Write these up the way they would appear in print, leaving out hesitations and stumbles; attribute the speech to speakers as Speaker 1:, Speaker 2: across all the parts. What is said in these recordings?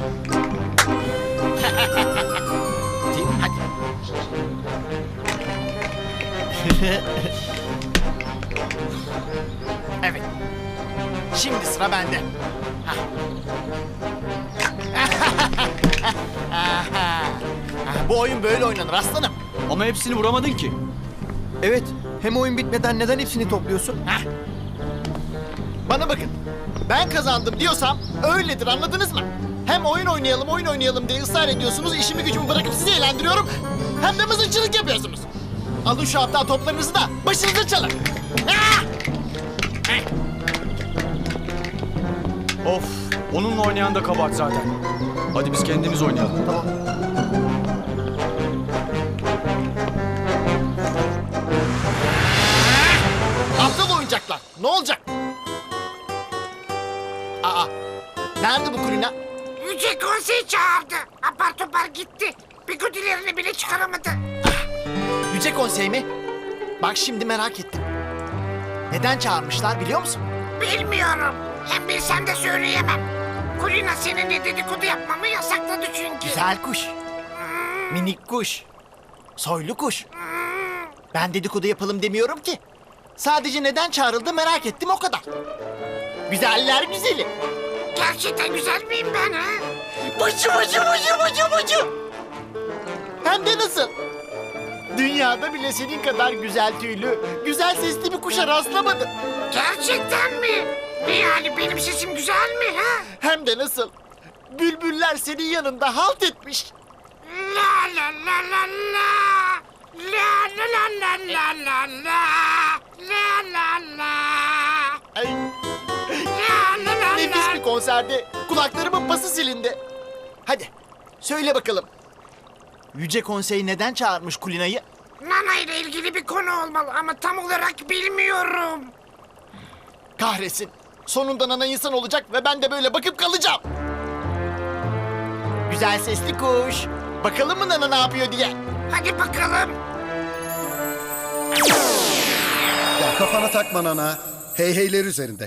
Speaker 1: Hadi. Evet. Şimdi sıra bende. Hah. Bu oyun böyle oynanır aslanım.
Speaker 2: Ama hepsini vuramadın ki.
Speaker 3: Evet, hem oyun bitmeden neden hepsini topluyorsun?
Speaker 1: Hah. Bana bakın. Ben kazandım diyorsam öyledir, anladınız mı? Hem oyun oynayalım diye ısrar ediyorsunuz. İşimi gücümü bırakıp sizi eğlendiriyorum. Hem de mızıkçılık yapıyorsunuz. Alın şu hafta toplarınızı da başınıza çalın. Ah!
Speaker 2: Of, onunla oynayan da kabahat zaten. Hadi biz kendimiz oynayalım.
Speaker 3: Tamam.
Speaker 1: Aptal oyuncaklar. Ne olacak? Aa, nerede bu Kulina?
Speaker 4: Yüce Konsey çağırdı. Apar topar gitti. Bigudilerini bile çıkaramadı.
Speaker 1: Yüce Konsey mi? Bak şimdi merak ettim. Neden çağırmışlar biliyor musun?
Speaker 4: Bilmiyorum. Hem bilsem de söyleyemem. Kulina seninle dedikodu yapmamı yasakladı çünkü.
Speaker 1: Güzel kuş. Minik kuş. Soylu kuş. Ben dedikodu yapalım demiyorum ki. Sadece neden çağrıldı merak ettim o kadar. Güzeller güzeli.
Speaker 4: Gerçekten güzel miyim ben ha?
Speaker 1: Bıcı. Hem de nasıl? Dünyada bile senin kadar güzel tüylü, güzel sesli bir kuşa rastlamadım.
Speaker 4: Gerçekten mi? Ne yani benim sesim güzel mi ha?
Speaker 1: Hem de nasıl? Bülbüller senin yanında halt etmiş.
Speaker 4: La la la la la. La la la la la la la. La la la.
Speaker 1: Ay,
Speaker 4: La la la
Speaker 1: nefis
Speaker 4: la.
Speaker 1: bir konserde kulaklarımın pası silindi. Hadi söyle bakalım. Yüce Konsey neden çağırmış Kulina'yı?
Speaker 4: Nana ile ilgili bir konu olmalı ama tam olarak bilmiyorum.
Speaker 1: Kahretsin. Sonunda Nana insan olacak ve ben de böyle bakıp kalacağım. Güzel sesli kuş. Bakalım mı Nana ne yapıyor diye.
Speaker 4: Hadi bakalım.
Speaker 5: Ya kafana takma Nana. Hey heyler üzerinde.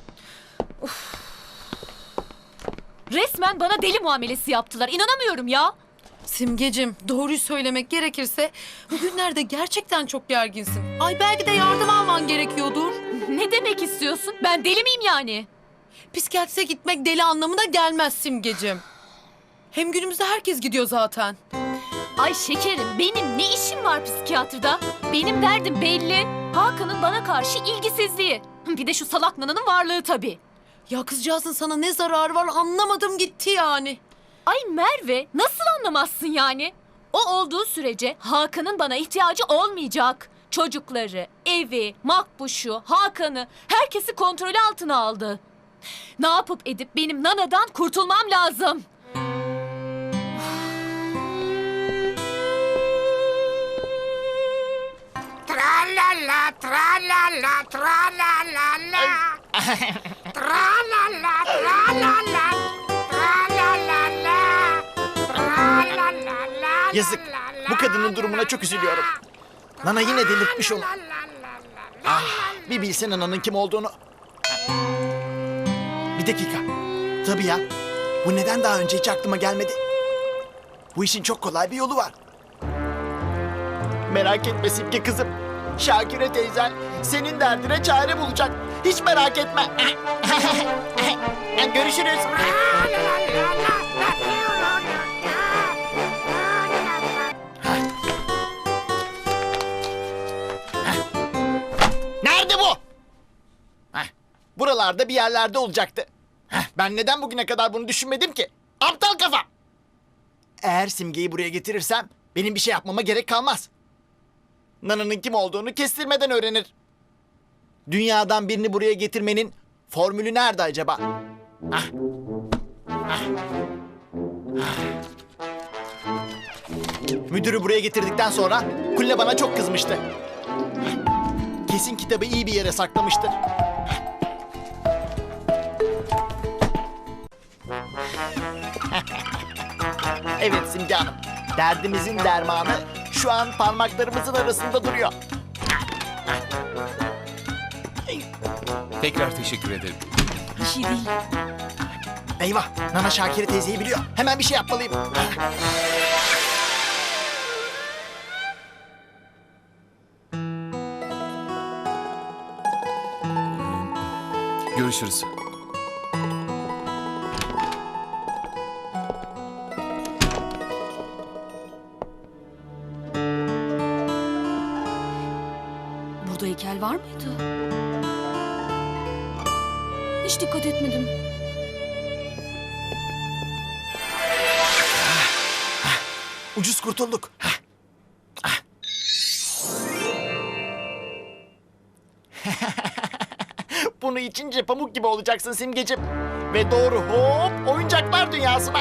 Speaker 6: Resmen bana deli muamelesi yaptılar. İnanamıyorum ya.
Speaker 7: Simgecim, doğruyu söylemek gerekirse bugünlerde gerçekten çok gerginsin. Ay belki de yardım alman gerekiyordur.
Speaker 6: Ne demek istiyorsun? Ben deli miyim yani?
Speaker 7: Psikiyatriste gitmek deli anlamına gelmez Simgecim. Hem günümüzde herkes gidiyor zaten.
Speaker 6: Ay şekerim, benim ne işim var psikiyatrda? Benim derdim belli. Hakan'ın bana karşı ilgisizliği. Bir de şu salak Nana'nın varlığı tabii.
Speaker 7: Ya kızcağızın sana ne zararı var anlamadım gitti yani.
Speaker 6: Ay Merve, nasıl anlamazsın yani? O olduğu sürece Hakan'ın bana ihtiyacı olmayacak. Çocukları, evi, Makbuş'u, Hakan'ı, herkesi kontrolü altına aldı. Ne yapıp edip benim Nana'dan kurtulmam lazım.
Speaker 4: Tra la la, tra la la, tra la la la. Tra la la, tra la la. Tra la la la. Tra la la la.
Speaker 1: Yazık. Bu kadının durumuna çok üzülüyorum. Nana yine delirtmiş onu. Ah, bir bilsen Nana'nın kim olduğunu. Bir dakika. Tabii ya. Bu neden daha önce hiç aklıma gelmedi? Bu işin çok kolay bir yolu var. Merak etme Simge kızım. Şakire teyzen senin derdine çare bulacak. Hiç merak etme. Görüşürüz. Nerede bu? Buralarda bir yerlerde olacaktı. Ben neden bugüne kadar bunu düşünmedim ki? Aptal kafa! Eğer Simge'yi buraya getirirsem benim bir şey yapmama gerek kalmaz. Nana'nın kim olduğunu kestirmeden öğrenir. Dünyadan birini buraya getirmenin formülü nerede acaba? Müdürü buraya getirdikten sonra Kulle bana çok kızmıştı. Kesin kitabı iyi bir yere saklamıştır. Evet Simge Hanım. Derdimizin dermanı şu an parmaklarımızın arasında duruyor.
Speaker 8: Tekrar teşekkür ederim.
Speaker 6: Bir şey değil.
Speaker 1: Eyvah, Nana Şakire teyzeyi biliyor. Hemen bir şey yapmalıyım.
Speaker 2: Görüşürüz.
Speaker 6: Burada heykel var mıydı? Hiç dikkat etmedim.
Speaker 1: Ucuz kurtulduk. Bunu içince pamuk gibi olacaksın Simgeciğim. Ve doğru hop oyuncaklar dünyasına.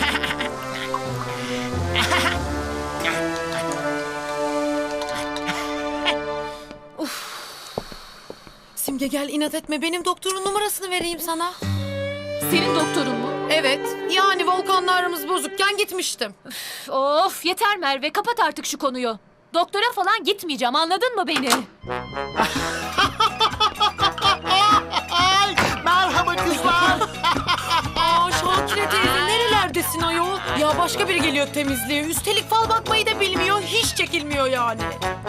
Speaker 7: Simge gel inat etme. Benim doktorun numarasını vereyim sana.
Speaker 6: Senin doktorun mu?
Speaker 7: Evet. Yani Volkan'la aramız bozukken gitmiştim.
Speaker 6: Of yeter Merve, kapat artık şu konuyu. Doktora falan gitmeyeceğim, anladın mı beni?
Speaker 1: Ay, merhaba kızlar.
Speaker 7: Aa Şakire teyze nerelerdesin ayol? Ya başka biri geliyor temizliğe. Üstelik fal bakmayı da bilmiyor. Hiç çekilmiyor yani.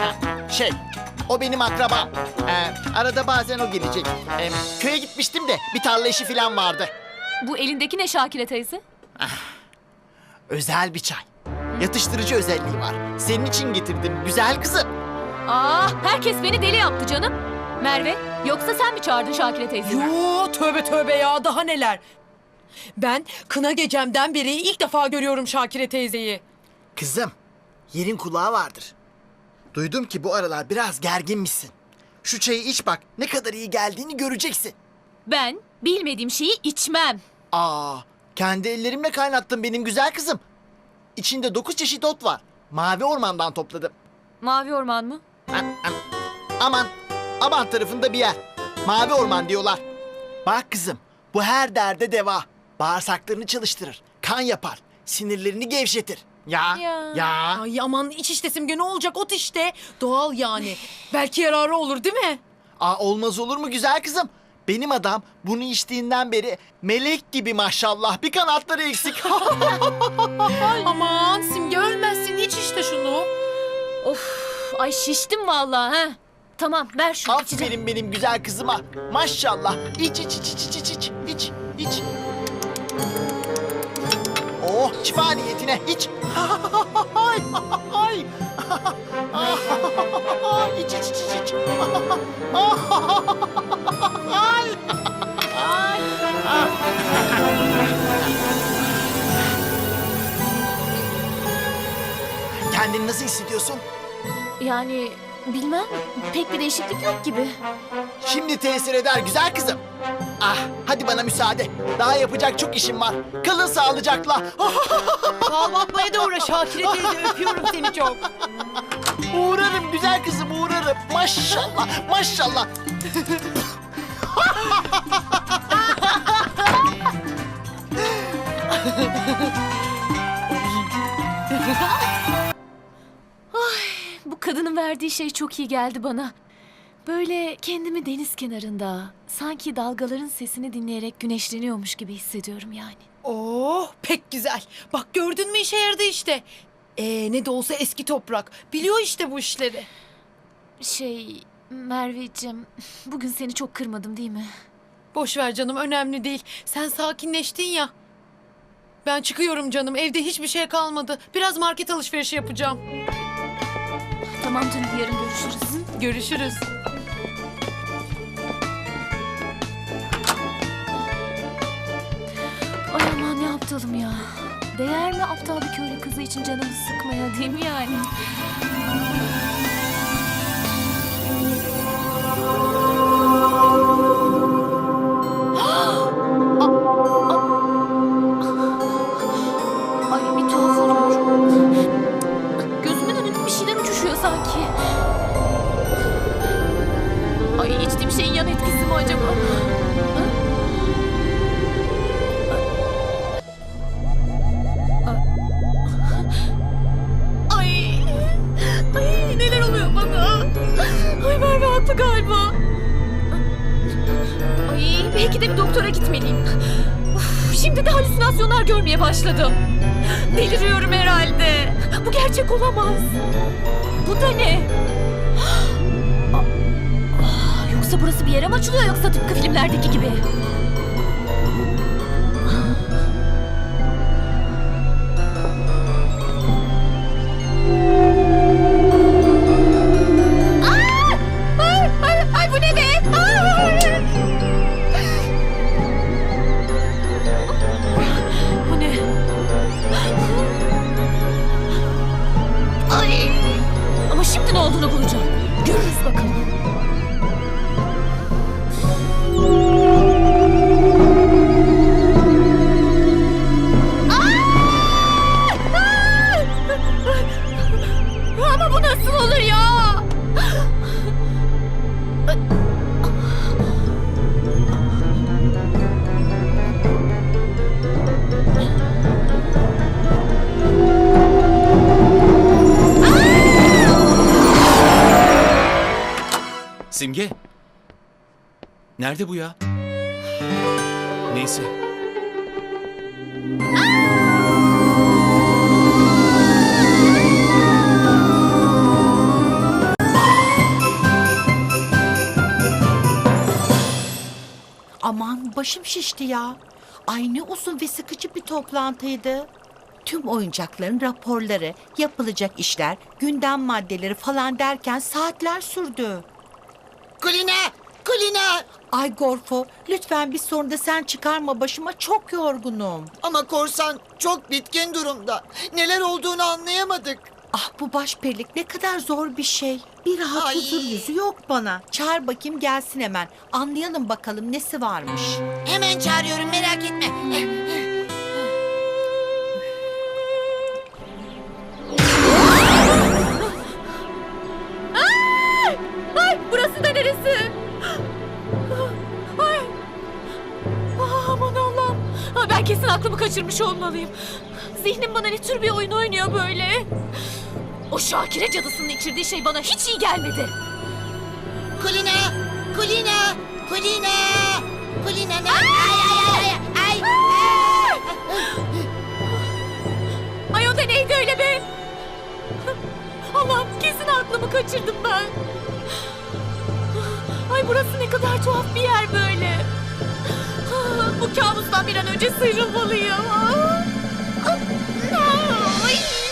Speaker 1: O benim akrabam. Arada bazen o gelecek. Köye gitmiştim de bir tarla işi falan vardı.
Speaker 6: Bu elindeki ne Şakire teyze?
Speaker 1: Özel bir çay. Yatıştırıcı özelliği var. Senin için getirdim güzel kızım.
Speaker 6: Herkes beni deli yaptı canım. Merve, yoksa sen mi çağırdın Şakire teyzeyi?
Speaker 7: Yo tövbe tövbe ya daha neler. Ben kına gecemden beri ilk defa görüyorum Şakire teyzeyi.
Speaker 1: Kızım, yerin kulağı vardır. Duydum ki bu aralar biraz gerginmişsin. Şu çayı iç bak, ne kadar iyi geldiğini göreceksin.
Speaker 6: Ben bilmediğim şeyi içmem.
Speaker 1: Kendi ellerimle kaynattım benim güzel kızım. İçinde 9 çeşit ot var. Mavi ormandan topladım.
Speaker 6: Mavi orman mı?
Speaker 1: Aman tarafında bir yer. Mavi orman diyorlar. Bak kızım, bu her derde deva. Bağırsaklarını çalıştırır, kan yapar, sinirlerini gevşetir. Ya.
Speaker 7: Ay aman iç işte Simge ne olacak ot işte. Doğal yani. Belki yararı olur değil mi?
Speaker 1: Olmaz olur mu güzel kızım? Benim adam bunu içtiğinden beri melek gibi maşallah, bir kanatları eksik.
Speaker 7: Aman Simge ölmezsin iç işte şunu.
Speaker 6: Ay şiştim vallahi ha. Tamam ver şunu içeceğim.
Speaker 1: Aferin benim güzel kızıma. Maşallah. İç. Oh, şifa niyetine iç. İç. Kendini nasıl hissediyorsun?
Speaker 6: Yani bilmem, pek bir değişiklik yok gibi.
Speaker 1: Şimdi tesir eder güzel kızım. Hadi bana müsaade. Daha yapacak çok işim var. Kalın sağlıcakla.
Speaker 7: Fal bakmaya da uğra Şakire teyze öpüyorum seni çok.
Speaker 1: Uğrarım güzel kızım, uğrarım. Maşallah.
Speaker 6: Bu kadının verdiği şey çok iyi geldi bana. Böyle kendimi deniz kenarında, sanki dalgaların sesini dinleyerek güneşleniyormuş gibi hissediyorum yani.
Speaker 7: Oh pek güzel. Bak gördün mü işe yaradı işte. Ne de olsa eski toprak. Biliyor işte bu işleri.
Speaker 6: Merveciğim, bugün seni çok kırmadım değil mi?
Speaker 7: Boş ver canım önemli değil. Sen sakinleştin ya. Ben çıkıyorum canım. Evde hiçbir şey kalmadı. Biraz market alışverişi yapacağım.
Speaker 6: Tamam canım, yarın görüşürüz.
Speaker 7: Görüşürüz.
Speaker 6: Ay aman ne aptalım ya. Değer mi aptal bir köylü kızı için canımı sıkmaya, değil mi yani? Ay bir tuhaf oluyor. Gözümün önünde bir şeyler uçuşuyor sanki. Ay içtiğim şeyin yan etkisi mi acaba? Ay neler oluyor bana? Ay Merve haklı galiba. Ay belki de bir doktora gitmeliyim. Uf, Şimdi de halüsinasyonlar görmeye başladım. Deliriyorum herhalde. Bu gerçek olamaz. Bu da ne? Yoksa burası bir yere mi açılıyor yoksa tıpkı filmlerdeki gibi? Ay bu ne be? Bu ne? Ay! Ama şimdi ne olduğunu bulacağım. Görürüz bakalım. Ama bu nasıl olur ya?
Speaker 2: Simge. Nerede bu ya? Neyse.
Speaker 8: Aman başım şişti ya. Ay ne uzun ve sıkıcı bir toplantıydı. Tüm oyuncakların raporları, yapılacak işler, gündem maddeleri falan derken saatler sürdü.
Speaker 4: Kulina! Kulina!
Speaker 8: Ay Gorfo, lütfen bir sorun da sen çıkarma başıma, çok yorgunum.
Speaker 9: Ama korsan çok bitkin durumda. Neler olduğunu anlayamadık.
Speaker 8: Ah bu başperilik ne kadar zor bir şey. Bir rahat
Speaker 9: Ay.
Speaker 8: huzur yüzü yok bana. Çağır bakayım gelsin hemen. Anlayalım bakalım nesi varmış.
Speaker 4: Hemen çağırıyorum, merak etme.
Speaker 6: Ay burası da neresi? Ay. Aman Allah'ım. Ben kesin aklımı kaçırmış olmalıyım. Zihnim bana ne tür bir oyun oynuyor böyle? O Şakire cadısının içirdiği şey bana hiç iyi gelmedi.
Speaker 4: Kulina! Kulina! Kulina! Kulina ne? Ay!
Speaker 6: Ay o da neydi öyle be? Allah'ım kesin aklımı kaçırdım ben. Ay burası ne kadar tuhaf bir yer böyle. Bu kabustan bir an önce sıyrılmalıyım. Ay.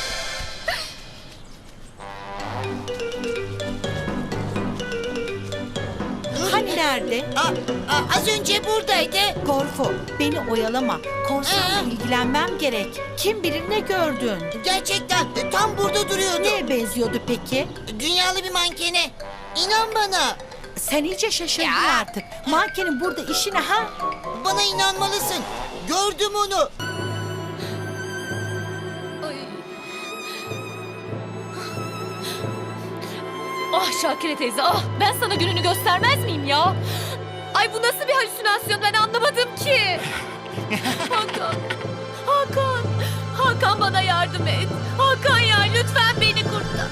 Speaker 8: Hani nerede?
Speaker 4: Az önce buradaydı.
Speaker 8: Gorfo, beni oyalama. Korsanla ilgilenmem gerek. Kim bilir ne gördün?
Speaker 4: Gerçekten tam burada duruyordu.
Speaker 8: Neye benziyordu peki?
Speaker 4: Dünyalı bir mankene. İnan bana.
Speaker 8: Sen iyice şaşırdın
Speaker 4: Ya.
Speaker 8: artık. Mankenin burada işi ne ha?
Speaker 4: Bana inanmalısın. Gördüm onu.
Speaker 6: Ay. Ah Şakire teyze ah ben sana gününü göstermez miyim ya? Ay bu nasıl bir halüsinasyon ben anlamadım ki. Hakan, Hakan, Hakan bana yardım et. Hakan ya lütfen beni kurtar.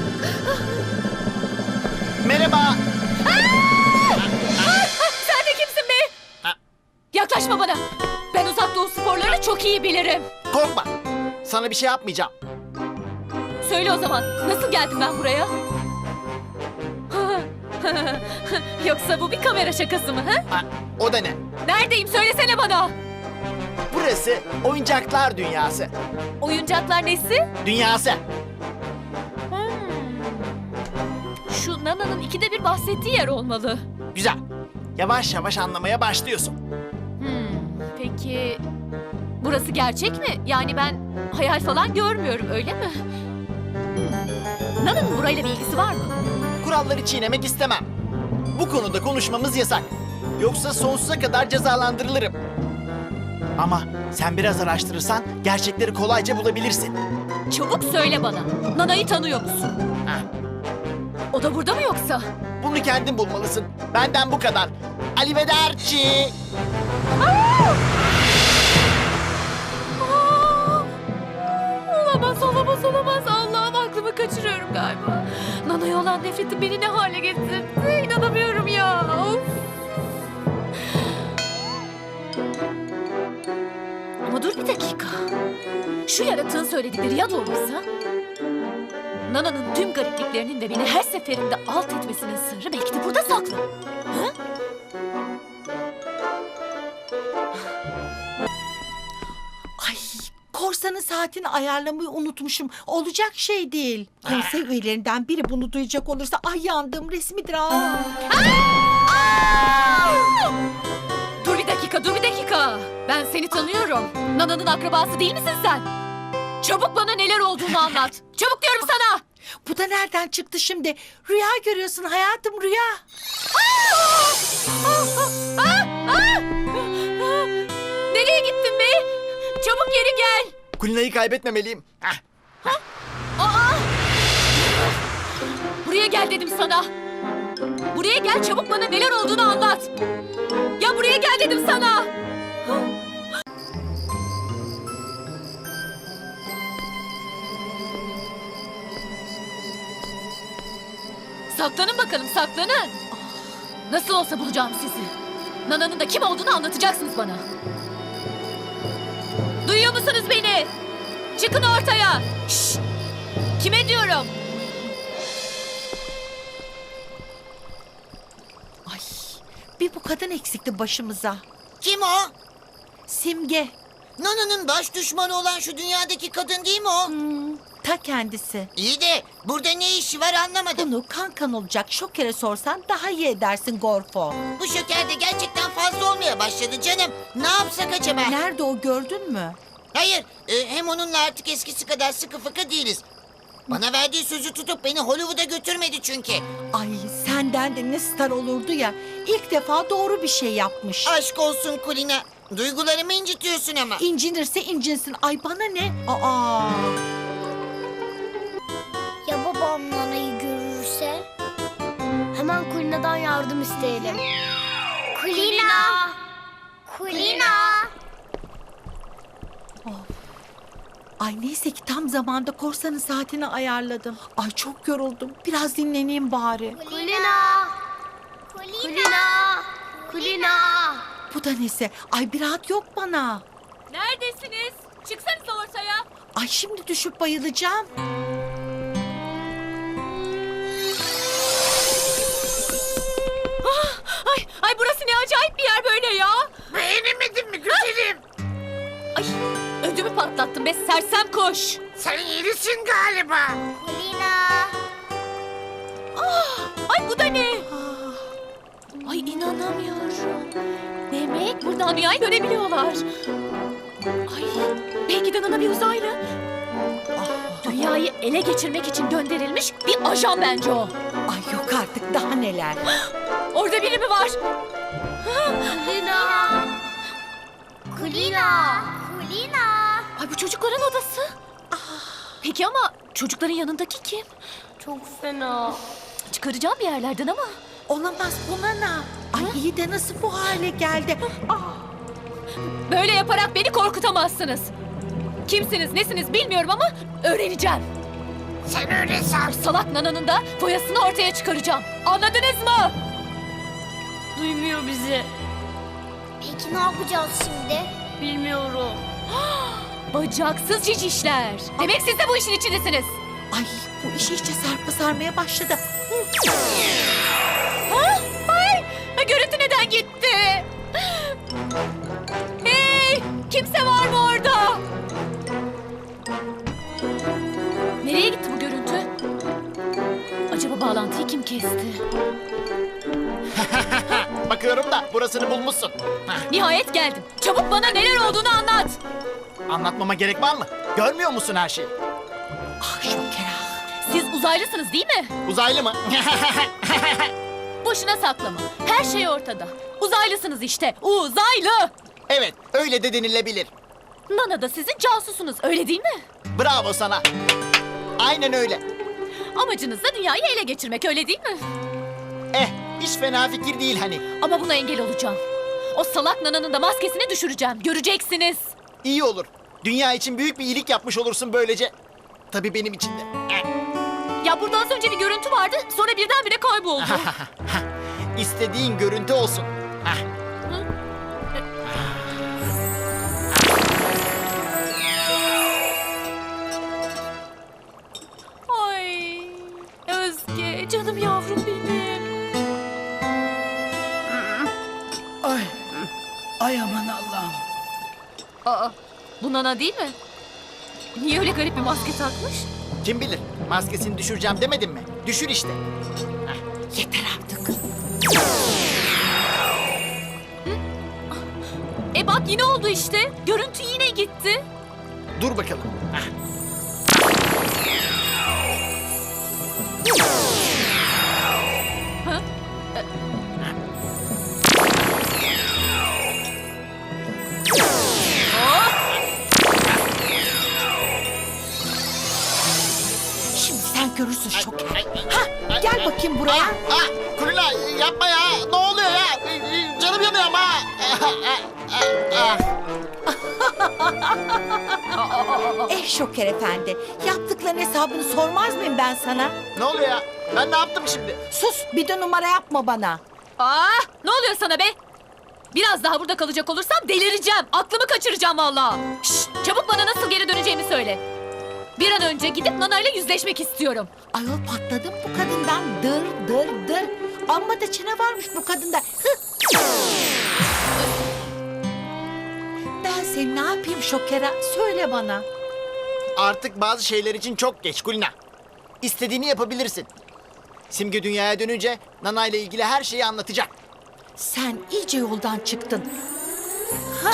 Speaker 1: Merhaba.
Speaker 6: Sen de kimsin be? Yaklaşma bana. Ben uzak doğu sporlarını çok iyi bilirim.
Speaker 1: Korkma. Sana bir şey yapmayacağım.
Speaker 6: Söyle o zaman nasıl geldim ben buraya? Yoksa bu bir kamera şakası mı? Ha?
Speaker 1: O da ne?
Speaker 6: Neredeyim söylesene bana.
Speaker 1: Burası oyuncaklar dünyası.
Speaker 6: Oyuncaklar nesi?
Speaker 1: Dünyası.
Speaker 6: Şu Nana'nın ikide bir bahsettiği yer olmalı.
Speaker 1: Güzel. Yavaş yavaş anlamaya başlıyorsun.
Speaker 6: Peki burası gerçek mi? Yani ben hayal falan görmüyorum öyle mi? Nana'nın burayla bir ilgisi var mı?
Speaker 1: Kuralları çiğnemek istemem. Bu konuda konuşmamız yasak. Yoksa sonsuza kadar cezalandırılırım. Ama sen biraz araştırırsan gerçekleri kolayca bulabilirsin.
Speaker 6: Çabuk söyle bana. Nana'yı tanıyor musun?
Speaker 1: Ha,
Speaker 6: O da burada mı yoksa?
Speaker 1: bunu kendin bulmalısın. Benden bu kadar. Arrivederci.
Speaker 6: Olamaz. Allah'ım aklımı kaçırıyorum galiba. Nana'ya olan nefretim beni ne hale getirdi? İnanamıyorum ya. Of. Dur bir dakika. Şu yaratığın söyledikleri ya doğruysa? Nana'nın tüm garipliklerinin ve beni her seferinde alt etmesinin sırrı belki de burada saklı. Hı?
Speaker 8: Ay, korsanın saatini ayarlamayı unutmuşum. Olacak şey değil. Konsey üyelerinden biri bunu duyacak olursa ay yandım resmidir ha.
Speaker 6: Dur bir dakika, dur bir dakika. Ben seni tanıyorum. Nana'nın akrabası değil misin sen? Çabuk bana neler olduğunu anlat. Çabuk diyorum sana.
Speaker 8: Bu da nereden çıktı şimdi? Rüya görüyorsun hayatım, rüya.
Speaker 6: Nereye gittin be? Çabuk geri gel.
Speaker 1: Kulina'yı kaybetmemeliyim.
Speaker 6: Buraya gel dedim sana. Buraya gel, çabuk bana neler olduğunu anlat. Ya buraya gel dedim sana. Saklanın bakalım, saklanın. Nasıl olsa bulacağım sizi. Nana'nın da kim olduğunu anlatacaksınız bana. Duyuyor musunuz beni? Çıkın ortaya. Şşş! Kime diyorum?
Speaker 8: Ay, bir bu kadın eksikti başımıza.
Speaker 9: Kim o?
Speaker 8: Simge,
Speaker 9: Nana'nın baş düşmanı olan şu dünyadaki kadın değil mi o?
Speaker 8: ta kendisi.
Speaker 9: İyi de burada ne işi var anlamadım.
Speaker 8: Bunu kankan olacak Şoker'e sorsan daha iyi edersin Gorfo.
Speaker 9: Bu şeker de gerçekten fazla olmaya başladı canım. Ne yapsak acaba?
Speaker 8: Nerede o, gördün mü?
Speaker 9: Hayır, hem onunla artık eskisi kadar sıkı fıkı değiliz. Bana verdiği sözü tutup beni Hollywood'a götürmedi çünkü.
Speaker 8: Ay, senden de ne star olurdu ya. İlk defa doğru bir şey yapmış.
Speaker 9: Aşk olsun Kulina. Duygularımı incitiyorsun ama.
Speaker 8: İncinirse incinsin. Ay bana ne? Aa.
Speaker 10: Ya babam Nana'yı görürse? Hemen Kulina'dan yardım isteyelim. Kulina! Kulina!
Speaker 8: Ay neyse ki tam zamanda korsanın saatini ayarladım. Ay çok yoruldum. Biraz dinleneyim bari.
Speaker 10: Kulina! Kulina! Kulina!
Speaker 8: Bu da nesi? Ay bir rahat yok bana.
Speaker 6: Neredesiniz? Çıksanıza ortaya.
Speaker 8: Ay şimdi düşüp bayılacağım.
Speaker 6: Ay burası ne acayip bir yer böyle ya.
Speaker 4: Beğenemedin mi güzelim?
Speaker 6: Ay ödümü patlattın be sersem kuş.
Speaker 4: Sen yerisin galiba.
Speaker 10: Kulina!
Speaker 6: Ay bu da ne? Ay inanamıyorum. Demek buradan dünyayı görebiliyorlar. Ay belki de Nana bir uzaylı. Dünyayı ele geçirmek için gönderilmiş bir ajan bence o.
Speaker 8: Ay yok artık, daha neler.
Speaker 6: Orada biri mi var?
Speaker 10: Kulina! Kulina! Kulina!
Speaker 6: Ay bu çocukların odası. Peki ama çocukların yanındaki kim?
Speaker 10: Çok fena.
Speaker 6: Çıkaracağım bir yerlerden ama.
Speaker 8: Olamaz, buna ne? Ay iyi de nasıl bu hale geldi?
Speaker 6: Böyle yaparak beni korkutamazsınız. Kimsiniz nesiniz bilmiyorum ama öğreneceğim.
Speaker 4: Sen öyle san.
Speaker 6: Salak Nana'nın da foyasını ortaya çıkaracağım. Anladınız mı?
Speaker 10: Duymuyor bizi. Peki ne yapacağız şimdi? Bilmiyorum.
Speaker 6: Bacaksız cicişler. Demek siz de bu işin içindesiniz.
Speaker 8: Ay bu iş iyice sarmaya başladı.
Speaker 6: Ay, görüntü neden gitti? Hey, kimse var mı orada? Nereye gitti bu görüntü? Acaba bağlantıyı kim kesti?
Speaker 1: Bakıyorum da burasını bulmuşsun. Hah,
Speaker 6: Nihayet geldim. Çabuk bana neler olduğunu anlat.
Speaker 1: anlatmama gerek var mı? Görmüyor musun her şeyi?
Speaker 8: Ah Şoker ah.
Speaker 6: Siz uzaylısınız değil mi?
Speaker 1: Uzaylı mı?
Speaker 6: Boşuna saklama. Her şey ortada. Uzaylısınız işte. Uzaylı.
Speaker 1: Evet, öyle de denilebilir.
Speaker 6: Nana da sizin casusunuz öyle değil mi?
Speaker 1: Bravo sana. Aynen öyle.
Speaker 6: Amacınız da dünyayı ele geçirmek öyle değil mi?
Speaker 1: Hiç fena fikir değil hani.
Speaker 6: Ama buna engel olacağım. O salak Nana'nın da maskesini düşüreceğim. Göreceksiniz.
Speaker 1: İyi olur. Dünya için büyük bir iyilik yapmış olursun böylece. Tabii benim için de.
Speaker 6: Ya burada az önce bir görüntü vardı. Sonra birdenbire kayboldu.
Speaker 1: İstediğin görüntü olsun. Hah.
Speaker 6: Bu Nana değil mi? Niye öyle garip bir maske takmış?
Speaker 1: Kim bilir? Maskesini düşüreceğim demedim mi? Düşür işte.
Speaker 8: Yeter artık.
Speaker 6: Bak yine oldu işte. Görüntü yine gitti.
Speaker 1: Dur bakalım.
Speaker 6: Ha?
Speaker 8: Şimdi sen görürsün Şoker. Ha, gel bakayım buraya.
Speaker 1: Kulina yapma ya. Ne oluyor ya? Canım yanıyor ama.
Speaker 8: Şoker efendi, yaptıkların hesabını sormaz mıyım ben sana?
Speaker 1: Ne oluyor ya? Ben ne yaptım şimdi?
Speaker 8: Sus, bir de numara yapma bana.
Speaker 6: Ne oluyor sana be? Biraz daha burada kalacak olursam delireceğim. Aklımı kaçıracağım vallahi. Şşt, çabuk bana nasıl geri döneceğimi söyle. Bir an önce gidip Nana ile yüzleşmek istiyorum.
Speaker 8: Ayol patladım bu kadından. Dır. Amma da çene varmış bu kadında. Ben seni ne yapayım Şoker'a? Söyle bana.
Speaker 1: Artık bazı şeyler için çok geç Kulina. İstediğini yapabilirsin. Simge dünyaya dönünce Nana ile ilgili her şeyi anlatacak.
Speaker 8: Sen iyice yoldan çıktın. Ha.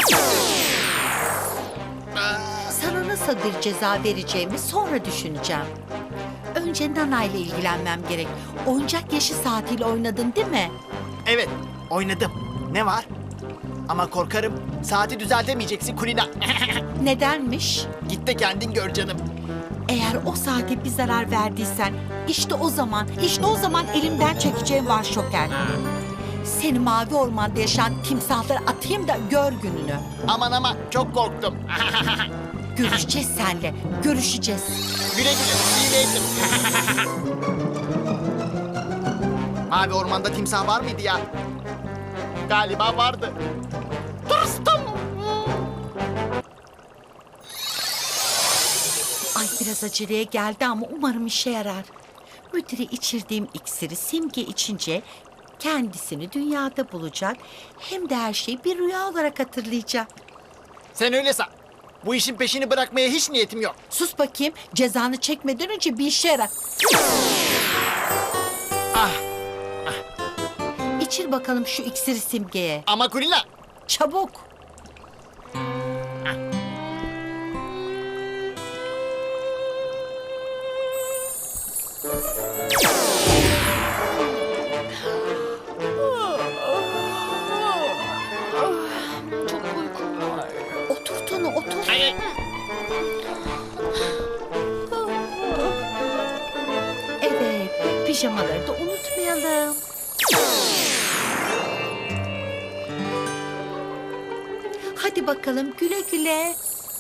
Speaker 8: Sana nasıl bir ceza vereceğimi sonra düşüneceğim. Önce Nana ile ilgilenmem gerek. Oyuncak yaşı saatiyle oynadın değil mi?
Speaker 1: Evet, oynadım. Ne var? Ama korkarım saati düzeltemeyeceksin Kulina.
Speaker 8: Nedenmiş?
Speaker 1: Git de kendin gör canım.
Speaker 8: Eğer o saate bir zarar verdiysen işte o zaman elimden çekeceğim var Şoker. Seni mavi ormanda yaşayan timsahlara atayım da gör gününü.
Speaker 1: Aman çok korktum.
Speaker 8: Görüşeceğiz seninle, görüşeceğiz.
Speaker 1: Güle iyi neydim. Mavi ormanda timsah var mıydı ya? Galiba vardı. Tırstım.
Speaker 8: Ay biraz aceleye geldi ama umarım işe yarar. Müdüre içirdiğim iksiri Simge içince kendisini dünyada bulacak. Hem de her şeyi bir rüya olarak hatırlayacak.
Speaker 1: Sen öyle san. Bu işin peşini bırakmaya hiç niyetim yok.
Speaker 8: Sus bakayım, cezanı çekmeden önce bir işe yarar. İçir bakalım şu iksiri Simge'ye.
Speaker 1: Ama Kulina.
Speaker 8: Çabuk.
Speaker 6: Çok uykum var.
Speaker 8: Otur Tonu, otur. Evet, pijamaları da unutmayalım. Hadi bakalım güle güle.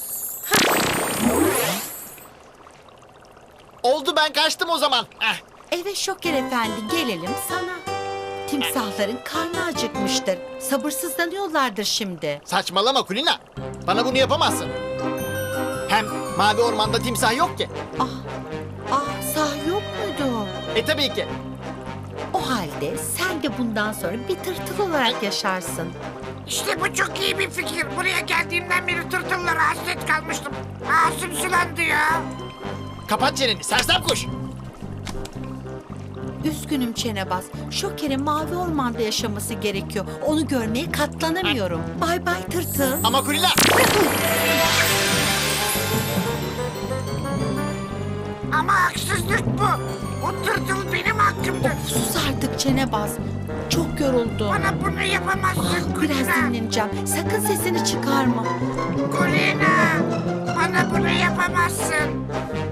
Speaker 1: Oldu ben kaçtım o zaman.
Speaker 8: Evet Şoker efendi gelelim sana. Timsahların karnı acıkmıştır. Sabırsızlanıyorlardır şimdi.
Speaker 1: Saçmalama Kulina. Bana bunu yapamazsın. Hem mavi ormanda timsah yok ki.
Speaker 8: Sahi yok muydu?
Speaker 1: Tabii ki.
Speaker 8: O halde sen de bundan sonra bir tırtıl olarak yaşarsın.
Speaker 4: İşte bu çok iyi bir fikir. Buraya geldiğimden beri tırtıllara hasret kalmıştım. Ağzım sulandı ya.
Speaker 1: Kapat çeneni sersem kuş.
Speaker 8: Üzgünüm Çenebaz. Şoker'in mavi ormanda yaşaması gerekiyor. Onu görmeye katlanamıyorum. Bay bay tırtıl.
Speaker 1: Ama Kulina.
Speaker 4: Ama haksızlık bu. O tırtıl benim hakkımdı.
Speaker 8: Sus artık Çenebaz. Çok yoruldum.
Speaker 4: Bana bunu yapamazsın
Speaker 8: Biraz
Speaker 4: Kulina.
Speaker 8: dinleneceğim. Sakın sesini çıkarma.
Speaker 4: Kulina, bana bunu yapamazsın.